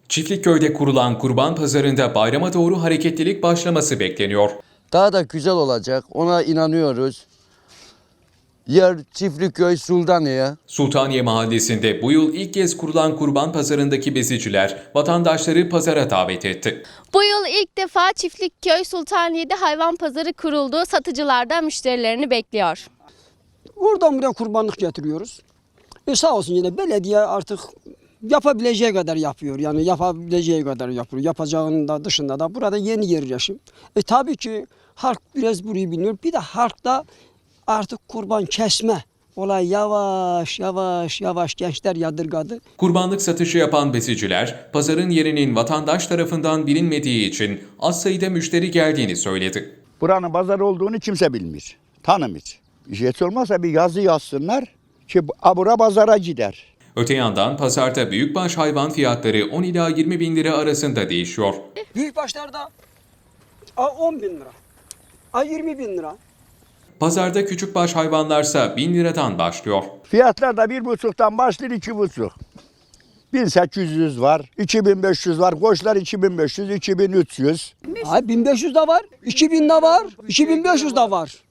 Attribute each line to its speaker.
Speaker 1: Çiftlikköy'de kurulan kurban pazarında bayrama doğru hareketlilik başlaması bekleniyor.
Speaker 2: Daha da güzel olacak. Ona inanıyoruz. Yer Çiftlikköy Sultaniye.
Speaker 1: Sultaniye Mahallesi'nde bu yıl ilk kez kurulan kurban pazarındaki besiciler vatandaşları pazara davet etti.
Speaker 3: Bu yıl ilk defa Çiftlikköy Sultaniye'de hayvan pazarı kuruldu. Satıcılar da müşterilerini bekliyor.
Speaker 4: Oradan buraya kurbanlık getiriyoruz. Sağ olsun yine belediye artık yapabileceği kadar yapıyor. Yani yapabileceği kadar yapıyor. Yapacağının da dışında da burada yeni yerleşim. Tabii ki halk biraz burayı bilmiyor. Bir de halkta artık kurban kesme olay yavaş gençler yadırgadı.
Speaker 1: Kurbanlık satışı yapan besiciler, pazarın yerinin vatandaş tarafından bilinmediği için az sayıda müşteri geldiğini söyledi.
Speaker 5: Buranın pazar olduğunu kimse bilmir, tanımır. Hiç olmazsa bir yazı yazsınlar ki bura pazara gider.
Speaker 1: Öte yandan pazarda büyükbaş hayvan fiyatları 10 ila 20 bin lira arasında değişiyor.
Speaker 4: Büyükbaşlarda 10 bin lira, 20 bin lira.
Speaker 1: Pazarda küçükbaş hayvanlarsa 1000 liradan başlıyor.
Speaker 5: Fiyatlar da 1,5'tan başlıyor 2,5. 1800 var, 2500 var, koçlar 2500, 2300.
Speaker 4: 1500 de var, 2000 de var, 2500 de var.